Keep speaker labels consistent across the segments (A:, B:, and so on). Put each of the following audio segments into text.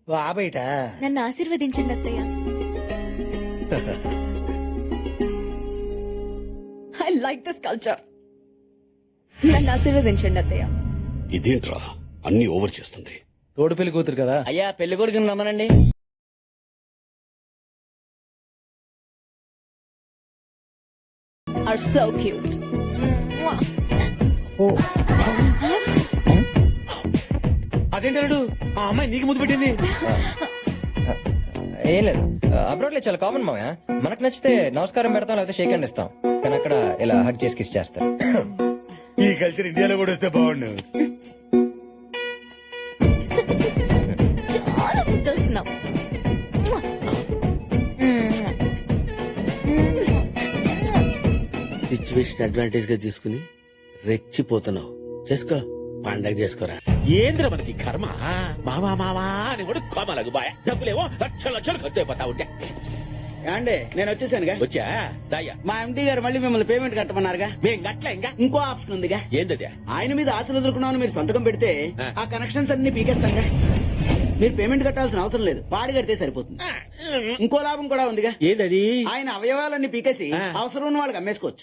A: బయట
B: నన్ను ఆశీర్వదించండి అత్తయ్య. I like this culture. నన్ను ఆశీర్వదించండి అత్తయ్య.
C: ఇదేంట్రా అన్ని ఓవర్ చేస్తుంది.
D: తోడు పెళ్లి కూతురు కదా.
E: అయ్యా పెళ్లి కొడుకుని రమ్మనండి.
B: Are so cute.
A: అదేంటాడు ఆ అమ్మాయి నీకు ముద్దు పెట్టింది.
D: ఏం లేదు, అబ్రాడ్ లో చాలా కామన్ మావయ్య. మనకు నచ్చితే నమస్కారం పెడతాం, లేకపోతే షేక్ హ్యాండ్ ఇస్తాం. కానీ అక్కడ ఇలా హగ్ చేసి కిస్ చేస్తారు.
A: ఈ కల్చర్ ఇండియాలో కూడా వస్తే బాగుండు.
B: చాలా ముద్దొస్తున్నావు.
F: సిచ్యువేషన్ అడ్వాంటేజ్ గా తీసుకుని రెచ్చిపోతున్నావు. చేసుకో, పండగ చేసుకోరా.
G: ఏంద్ర మనకి కర్మ. మావా మావా అని కూడా కోమలకు బాయ్. డబ్బులేమో లక్షల లక్షలు ఖర్చు అయిపోతా ఉంటే.
F: అండి నేను వచ్చేసానుగా.
G: వచ్చా దాయ్యా.
F: మా ఎండి గారు మళ్ళీ మిమ్మల్ని పేమెంట్ కట్టమన్నారుగా.
G: మేం గట్ల ఇంకా
F: ఇంకో ఆప్షన్ ఉందిగా.
G: ఏందది?
F: ఆయన మీద ఆశలు వదులుకున్నామని మీరు సంతకం పెడితే
G: ఆ.
F: ఆ కనెక్షన్స్ అన్ని పీకేస్తాంగా. మీరు పేమెంట్ కట్టాల్సిన అవసరం లేదు, పాడి కడితే సరిపోతుంది. ఇంకో లాభం కూడా ఉందిగా.
G: ఏందది?
F: ఆయన అవయవాలన్నీ పీకేసి
G: ఆ.
F: అవసరం ఉన్న వాళ్ళకి అమ్మేసుకోవచ్చు.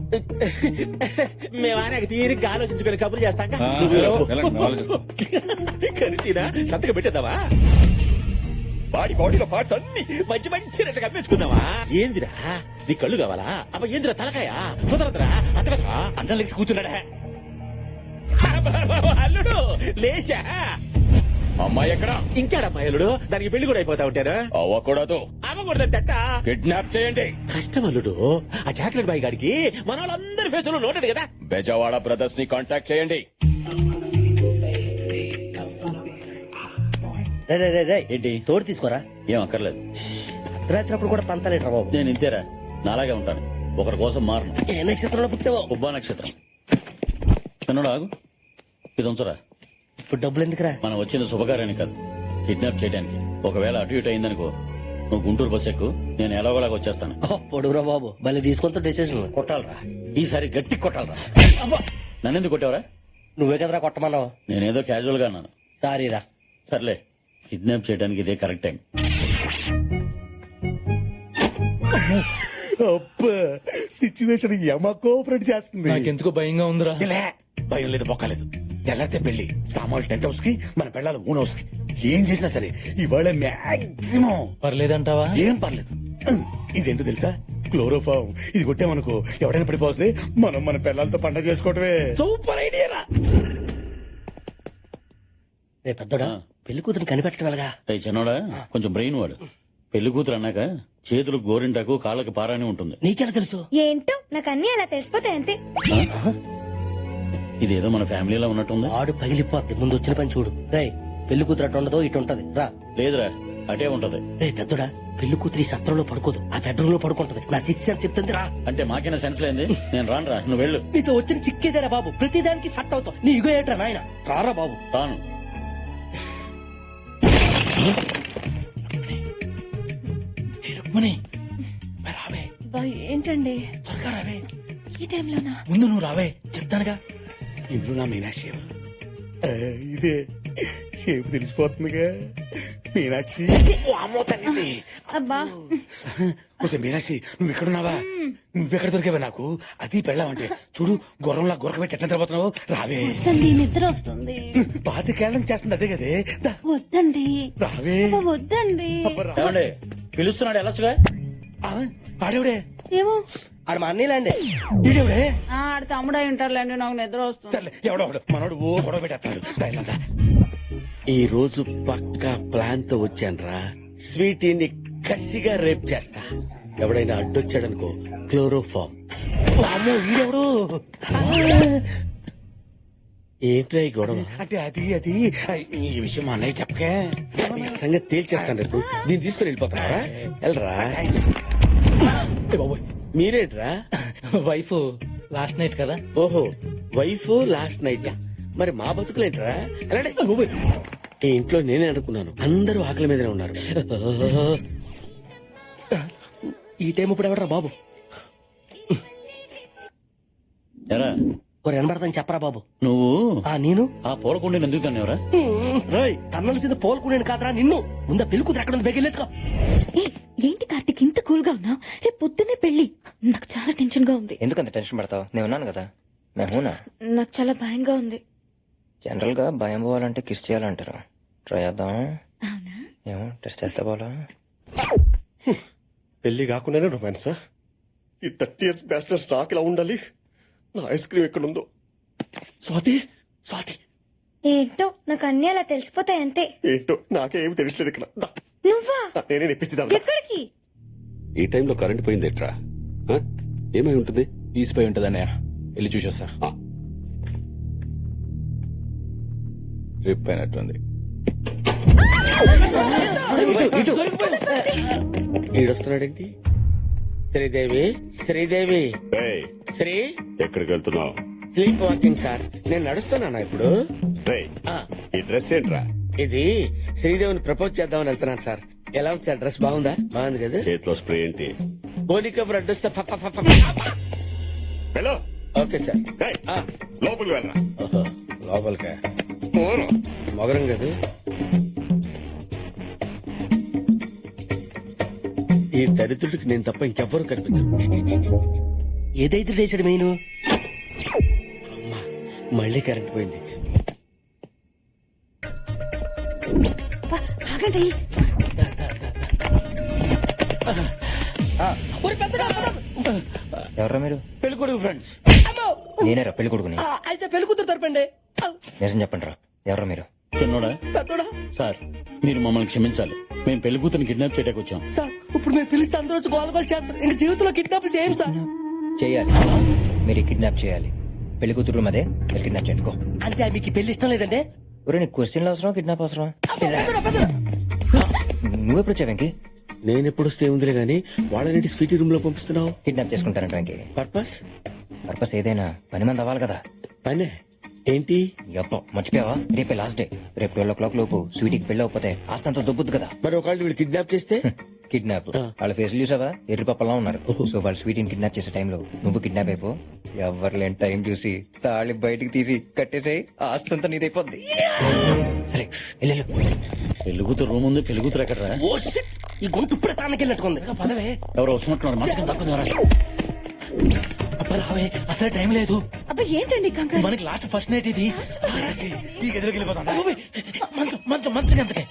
G: మేము ఆయనకు తీరిగ్గా ఆలోచించుకుని కబుర్లు చేస్తాం. కలిసినా సంతకం పెట్టేద్దావా? బాడీలో పార్ట్స్ అన్ని మంచి మంచి రెట్టు కమ్మేసుకుందామా? ఏందిరా నీ కళ్ళు కావాలా? అబ్బా ఏందిరా తలకాయ కుదరదురా. అతగదా అన్నం లేచి కూర్చున్నాడా? అల్లుడు లేచా.
C: అమ్మాయి ఎక్కడ?
G: ఇంకాడమ్మా అల్లుడు, దానికి పెళ్లి కూడా అయిపోతా ఉంటారు.
C: అవ్వకూడదు.
G: అవ్వకూడదట.
C: కిడ్నాప్ చేయండి.
G: కష్టం అల్లుడు, ఆ చాక్లెట్ బాయ్ గాడికి మన వాళ్ళందరి ఫేసులో నోటాడు కదా.
C: బెజవాడ బ్రదర్స్ ని కాంటాక్ట్ చేయండి.
E: ఏంటి తోడు తీసుకోరా?
H: ఏం అక్కర్లేదు.
E: రాత్రి కూడా పంతలేట్రా బాబు.
H: నేను ఇంతేరా, నాలాగే ఉంటాను. ఒకరి కోసం మారను.
E: ఏ నక్షత్రంలో పుట్టావో?
H: ఉబ్బా నక్షత్రం. చిన్నడు ఆగు, ఇది ఉంచరా.
E: ఇప్పుడు డబ్బులు ఎందుకురా?
H: మనం వచ్చింది శుభకార్యానికి కాదు, కిడ్నాప్ చేయడానికి. ఒకవేళ అటు ఇటు అయిందనుకో, నువ్వు గుంటూరు బస్ ఎక్కు, నేను ఎలాగోలాగా వచ్చేస్తాను.
E: పొడుగురా బాబు, మళ్ళీ తీసుకుంటూ డెసిషన్.
H: కొట్టాలరా, ఈసారి గట్టి కొట్టాలరా. నన్నెందుకు కొట్టావరా?
E: నువ్వే కదరా కొట్టమన్నావు.
H: నేనేదో క్యాజువల్ గా అన్నాను.
E: సారీరా.
H: సర్లే, కిడ్నాప్ చేయడానికి ఇదే కరెక్ట్ టైం.
A: సిచ్యువేషన్ యమ కోఆపరేట్ చేస్తుంది.
D: నాకెందుకో భయంగా ఉందిరా.
A: ఇలా భయం లేదు, బొక్కలేదు. ఎలాంటి పెళ్లి సామాన్లు టెంట్ హౌస్ కి, మన పెళ్ళాలి ఓన్ హౌస్ కి. ఏం చేసినా సరే ఇవాళ మాక్సిమం
D: పర్లేదంటావా?
A: ఏం పర్లేదు. ఇదేంటో తెలుసా? క్లోరోఫామ్. ఇది కొట్టామనుకో ఎవడైనా పడిపోతే మనం మన పిల్లలతో పండగ చేసుకోవటమే.
E: సూపర్ ఐడియా రా. రే పెద్దోడా, పెళ్లి కూతురు కనిపెట్టడం ఎలాగా?
H: అయ్యి చిన్నోడా, కొంచెం బ్రెయిన్ వాడు. పెళ్లి కూతురు అన్నాక చేతులకు గోరింటాకు, కాళ్ళకి పారాని ఉంటుంది.
E: నీకెలా తెలుసు?
B: ఏంటో నాకు అన్ని అలా తెలిసిపోతాయి అంతే.
H: ఇదేదో మన ఫ్యామిలీలో ఉన్నట్టుంది.
E: ఆడు పగిలిపోద్ది. ముందు వచ్చిన పని చూడు. రే పెళ్లి కూతురు అటు ఉండదో ఇటు ఉంటది. రా.
H: లేదురా, అటే ఉంటది.
E: రే పెద్దోడా, పెళ్లి కూతురు ఈ సత్రంలో పడుకోదు, ఆ బెడ్రూమ్ లో పడుకుంటది. నా సిక్స్ అని చెప్తుంది. రా.
H: అంటే మాకైనా సెన్స్ లేంది. నేను రానురా, నువ్వు వెళ్ళు.
E: నీతో వచ్చిన చిక్కేదేరా బాబు, ప్రతిదానికి ఫట్ అవుతావు. నీ ఇగో ఏట్రా నాయన. రారా బాబు.
H: రాను.
A: రావే,
B: ఏంటండి
A: త్వరగా రావే.
B: ఈ టైంలోనా?
A: ముందు నువ్వు రావే, చెప్తానుగా. ఇందులో నా మీనాక్షి ఎవరు? ఇదే షేపు తెలిసిపోతుందిగా. మీనాక్షి. ఓ అమ్మో తల్లి.
B: అబ్బా
A: కొంచెం మీనాక్షి, నువ్వు ఎక్కడున్నావా? నువ్వెక్కడ దొరికావా నాకు? అది పెళ్ళావంటే చూడు, గుర్రంలా గురకబెట్టి ఎట్లా తిరగబోతున్నావు. రావే.
B: వద్దండి, నిద్ర వస్తుంది.
A: పాతికేళ్ళం చేస్తుంది అదే కదే. దా,
B: వద్దండి.
A: రావే.
B: వద్దండి.
A: అబ్బా,
H: ఏమండి పిలుస్తున్నాడు, వెళ్ళొచ్చుగా.
A: ఆడేవిడే?
B: ఏమో.
E: ఆడు మా అన్నీలాండి.
A: ఈడేవిడే?
I: ఆడ తమ్ముడు ఉంటారులేండి, నాకు నిద్ర వస్తుంది.
A: సర్లే, ఎవడో మనోడు ఓ గొడవ పెట్టేస్తాడు. దయలంతా
F: ఈ రోజు పక్కా ప్లాన్ తో వచ్చానురా. స్వీటీని కసిగా రేప్ చేస్తా. ఎవడైనా అడ్డొచ్చాడనుకో, క్లోరోఫామ్.
A: అమ్మో, ఈడెవడు?
F: ఏంట్రా ఈ గొడవ?
A: అంటే అది ఈ విషయం మా అన్నయ్య చెప్పకే.
F: ఈ సంగతి తేల్చేస్తాను రేపు. దీన్ని తీసుకుని వెళ్ళిపోతారా? వెళ్ళరా. మీరేంట్రా?
D: వైఫ్ లాస్ట్ నైట్ కదా.
F: ఓహో, వైఫ్ లాస్ట్ నైట్. మరి మా బతుకులేంట్రా? ఎలాంటి ఈ ఇంట్లో నేనే అనుకున్నాను, అందరూ ఆకలి మీదనే ఉన్నారు.
E: ఈ టైం ఇప్పుడు ఎవడరా బాబు?
H: ఎరా
E: ఒక వినబడతాను చెప్పరా బాబు.
H: నువ్వు
E: నేను
H: ఆ పూలకుండీని ఎందుకు తన్నావురా?
E: రోయ్ తన్నలసింది పోల్కొనేను కాదురా నిన్ను. ముందా పెళ్లి కూతురు ఎక్కడ ఉంది బెగిలేదుకో.
B: ఏ, ఏంటి కార్తిక్ ఇంత కూల్ గా ఉన్నావు? రేపు పొద్దున్నే పెళ్లి. నాకు చాలా టెన్షన్ గా ఉంది.
D: ఎందుకంత టెన్షన్ పడతావు? నేను ఉన్నాను కదా. మేమునా
B: నాకు చాలా భయంగా ఉంది.
D: జనరల్ గా భయం పోవాలంటే కిస్ చేయాలంటారు. ట్రై చేద్దాం.
B: అవునా?
D: ఏమో టెస్ట్ చేస్తే పోలా.
A: పెళ్లి కాకుండానే రొమాన్స్. ఈ 30 years బ్యాస్టర్ స్టాక్ ఇలా ఉండాలి. నా ఐస్ క్రీమ్ ఎక్కడుందో. స్వాతి, స్వాతి
J: ఏంటో నాకు అన్ని అలా తెలిసిపోతాయి అంతే.
A: ఏంటో నాకే ఏమి తెలియట్లేదు ఇక్కడ. దా,
J: నువ్వా?
A: నేనే నెప్పించిదా.
J: ఎక్కడికి?
K: ఈ టైంలో కరెంట్ పోయింది ఎట్రా? ఏమై ఉంటుంది?
C: ఈసిపోయి ఉంటదన్నయ్య, వెళ్ళి చూసొస్తా. రిప్ అయినట్టుంది.
F: ఈడొస్తున్నాడేంటి? శ్రీదేవి, శ్రీదేవి, శ్రీ
K: ఎక్కడికి వెళ్తున్నావు?
F: Sleep walking sir. నేను నడుస్తున్నానా ఇప్పుడు?
K: ఈ డ్రెస్ ఏంట్రా?
F: ఇది శ్రీదేవిని ప్రపోజ్ చేద్దామని వెళ్తున్నాను సార్. ఎలా ఉంది సార్? డ్రెస్ బాగుందా? బాగుంది కదా.
K: చేతిలో స్ప్రే ఏంటి?
F: గోలిక బ్రెడ్ వస్తే
K: హలో,
F: ఓకే సార్.
K: లోపలికి వెళ్ళరా.
F: లోపలికా? మొగరం కదా. ఈ దరిద్రుడికి నేను తప్ప ఇంకెవ్వరూ కనిపించరు.
E: ఏదైతే చేసాడు మెయిన్.
F: అమ్మా, మళ్ళీ కరెంట్ పోయింది.
B: ఆగండి.
D: ఎవరా మీరు?
G: పెళ్లి కొడుకు ఫ్రెండ్స్.
D: నేనేరా పెళ్లి కొడుకుని.
E: అయితే పెళ్లి కూతురు తరపండి.
D: నిజం చెప్పండి రా, ఎవరా మీరు?
H: చిన్నోడా?
E: పెద్దోడా?
H: సార్, మీరు మమ్మల్ని క్షమించాలి. మేము పెళ్లి కూతురు కిడ్నాప్ చేయడానికి వచ్చాం.
E: సార్ ఇప్పుడు మీరు పిలిస్తే అందరూ వచ్చి గోల గోల చేస్తారు. ఇంక జీవితంలో కిడ్నాప్ చేయండి సార్.
D: చేయాలి, మీరు కిడ్నాప్ చేయాలి. పెళ్లి కూతురు అదే, మీరు కిడ్నాప్ చేయండి. గో.
E: అంటే మీకు ఈ పెళ్లి ఇష్టం లేదంటే?
D: ఒరే, నీకు క్వశ్చన్లు అవసరం, కిడ్నాప్ అవసరం? నువ్వెప్పుడు వచ్చావు వెంకీ?
F: నేను ఎప్పుడు వస్తే ఉందిలే గానీ వాళ్ళని స్వీటీ రూమ్ లో పంపిస్తున్నావు.
D: కిడ్నాప్ చేసుకుంటానంట వెంకీ.
F: పర్పస్?
D: పర్పస్ ఏదైనా పని మంది అవ్వాలి కదా.
F: పనే ఏంటి?
D: అప్ప మర్చిపోయావా? రేపే లాస్ట్ డే. రేపు 12 o'clock లోపు స్వీటీకి పెళ్లి అవ్వకపోతే ఆస్తంతా దొబ్బుద్దు కదా.
F: మరి ఒకళ్ళు వీళ్ళు కిడ్నాప్ చేస్తే?
D: కిడ్నాప్ వాళ్ళ ఫేస్ చూసావా? ఎర్రి పప్పలా ఉన్నారు. సో వాళ్ళు స్వీటీని కిడ్నాప్ చేసే టైంలో నువ్వు కిడ్నాప్ అయిపో. ఎవరు లేని టైం చూసి తాళి బయటికి తీసి కట్టేసేయి, ఆస్తంతా నీదైపోద్ది. సరే వెళ్ళు.
H: పెళ్లి కూతురు రూమ్ ఉంది. పెళ్లి కూతురు ఎక్కడరా?
E: ఓ షిట్, ఈ గొంతు ఇప్పుడే తానకెళ్ళినట్టుకుంది. పదవే.
H: ఎవరు వస్తున్నట్టున్నారు? మంచం తక్కువ.
E: అబ్బా రావే, అసలు టైం లేదు.
B: అబ్బా ఏంటండి కంగారు?
E: మనకి లాస్ట్ ఫస్ట్ నైట్ ఇది. ఈ గదిలోకి వెళ్ళిపోతాం. మంచం మంచం మంచం ఎంతకే?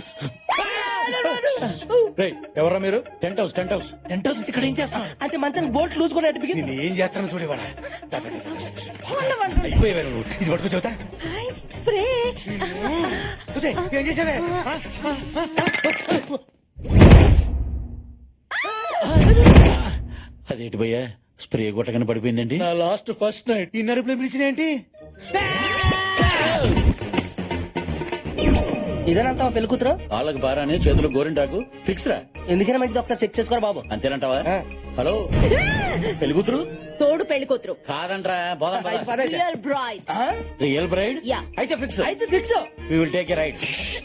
H: ఎవరా మీరు? Tent house.
E: టెంట్ హౌస్ ఇక్కడ ఏం చేస్తాం? అంటే మంచానికి బోట్ లూజ్ కూడా బిగింది.
A: ఏం చేస్తాను చూడేవాడా. అయిపోయేవారు నువ్వు. ఇది పట్టుకో చెబుతా.
B: స్ప్రే.
A: ఏం చేసావే?
H: అదేంటి భయ్యా, స్ప్రే కొట్టగానే పడిపోయిందండి.
A: నా లాస్ట్ ఫస్ట్ నైట్ ఈ నరుపులో పిలిచిన ఏంటి?
E: ఇదేనంటావా పెళ్లి కూతురు?
H: వాళ్ళకి బారానే, చేతులు గోరింటాకు ఫిక్స్ రా.
E: ఎందుకైనా మంచిది ఒకసారి చెక్ చేసుకోరా బాబు.
H: అంతేనంటావా? హలో, పెళ్లి కూతురు
B: తోడు పెళ్లి కూతురు
H: కాదంట్రా. బోధం
B: real bride.
H: Real bride.
B: Yeah.
H: అయితే ఫిక్స్.
E: అయితే fix.
H: We will take a right.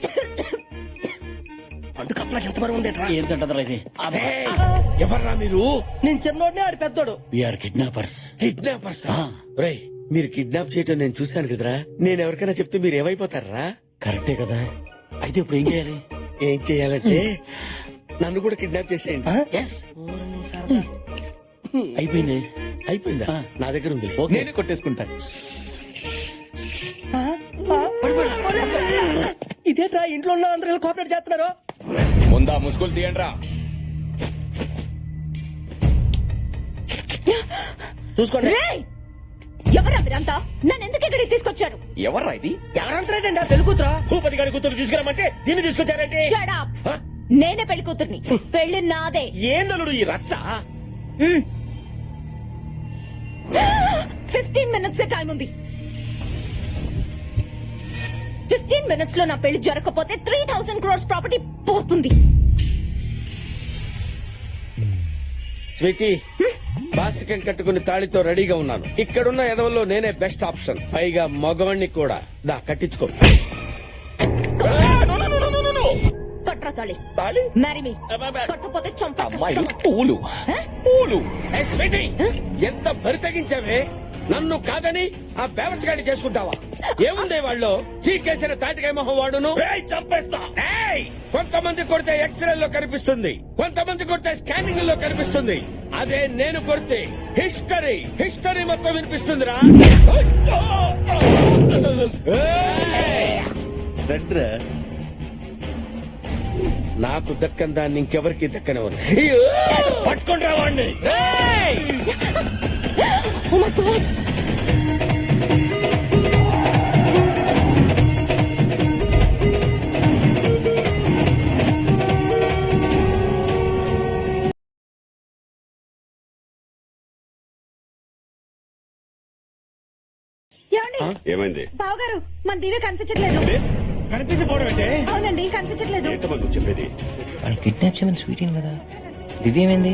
E: పండు కప్పలకి ఎంత బరువు ఉంది?
H: ఏంటంటారా ఇది?
F: ఎవర్రా మీరు?
E: నేను చిన్నోడిని, ఆడి పెద్దోడు.
H: We are kidnappers.
F: కిడ్నాపర్స్? రేయ్, మీరు కిడ్నాప్ చేయటం నేను చూశాను కదరా. నేను ఎవరికైనా చెప్తే మీరు ఏమైపోతారా?
H: కరెక్టే కదా. అయితే ఇప్పుడు ఏం చేయాలి?
F: ఏం చేయాలంటే నన్ను కూడా కిడ్నాప్ చేసేయండి.
H: Yes. అయిపోయింది.
F: అయిపోయిందా? నా దగ్గర ఉంది.
H: నేనే కొట్టేసుకుంటా.
E: ఇదేట్రా ఇంట్లో ఉన్న అందరూ కోఆపరేట్ చేస్తున్నారు.
C: ముందా ముసుగులు తీయండి.
E: చూసుకోండి.
B: ఎవరా మీరంతా? నన్ను ఎందుకు ఇక్కడికి తీసుకొచ్చారు?
C: ఎవర్రా ఇది?
E: ఎవరంటారండి? పెళ్లి కూతురా?
G: భూపతి గారి కూతురు తీసుకురామంటే దీన్ని తీసుకొచ్చారంటే?
B: Shut up. నేనే పెళ్లి కూతుర్ని. పెళ్లి నాదే.
G: ఏందలుడు ఈ రచ్చ?
B: 15 minutes టైం ఉంది. 15 minutes లో నా పెళ్లి జరగకపోతే 3000 crores ప్రాపర్టీ పోతుంది.
F: స్వీటీ, బాసికం కట్టుకుని తాళితో రెడీగా ఉన్నాను. ఇక్కడున్న ఎదవల్లో నేనే బెస్ట్ ఆప్షన్. పైగా మగవాణ్ణి కూడా. దా కట్టించుకో.
B: కట్రా తాళి.
G: తాళి?
B: Marry me. కట్టకపోతే చంప.
C: అమ్మాయిలు పూలు.
F: ఏయ్ స్వీటీ, ఎంత బరి తగ్గించావే? నన్ను కాదని ఆ వ్యవస్థగాడి చేసుకుంటావా? ఏముంది వాళ్ళు చీకేసిన తాటికాయ మొహం వాడును.
G: చంపేస్తా.
F: కొంతమంది కొడితే ఎక్స్రేల్లో కనిపిస్తుంది, కొంతమంది కొడితే స్కానింగ్ లో కనిపిస్తుంది. అదే నేను కొడితే హిస్టరీ మొత్తం వినిపిస్తుందిరా.
G: రండ్రా.
F: నాకు దక్కని దాన్ని ఇంకెవరికి దక్కనివ్వను.
G: పట్టుకొని రావాడిని.
B: Oh my God.
K: ఏమైంది?
I: బావగారు మన దివ్య కనిపించట్లేదు.
G: కనిపించకపోవడం అంటే
I: అవునండి కనిపించట్లేదు.
K: ఏంటమ్మా నువ్వు చెప్పేది?
D: వాళ్ళు కిడ్నాప్ చేయమని స్వీటీన్ కదా. దివ్య ఏమైంది?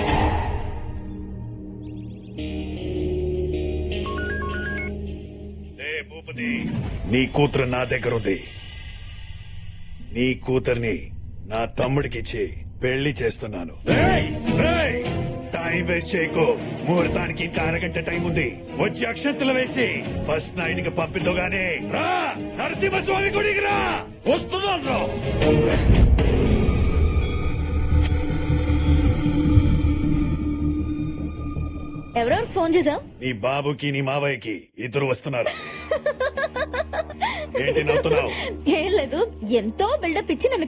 A: భూపతి, నీ కూతురు నా దగ్గర ఉంది. నీ కూతుర్ని నా తమ్ముడికిచ్చి పెళ్లి చేస్తున్నాను. టైం వేస్ట్ చేయకు. ముహూర్తానికి ఇంకా అరగంట టైం ఉంది. వచ్చి అక్షంతలు వేసి ఫస్ట్ నైట్ కి పంపిద్దుగానే రా. నరసింహస్వామి గుడికి రా. వస్తున్నాను.
B: ఎవరెవరు ఫోన్ చేసావు?
A: నీ బాబుకి నీ మావయ్యకి ఇద్దరు వస్తున్నారు. ఏంటి నవ్వుతున్నావు?
B: ఏం లేదు, ఎంతో బిల్డప్ ఇచ్చి నన్ను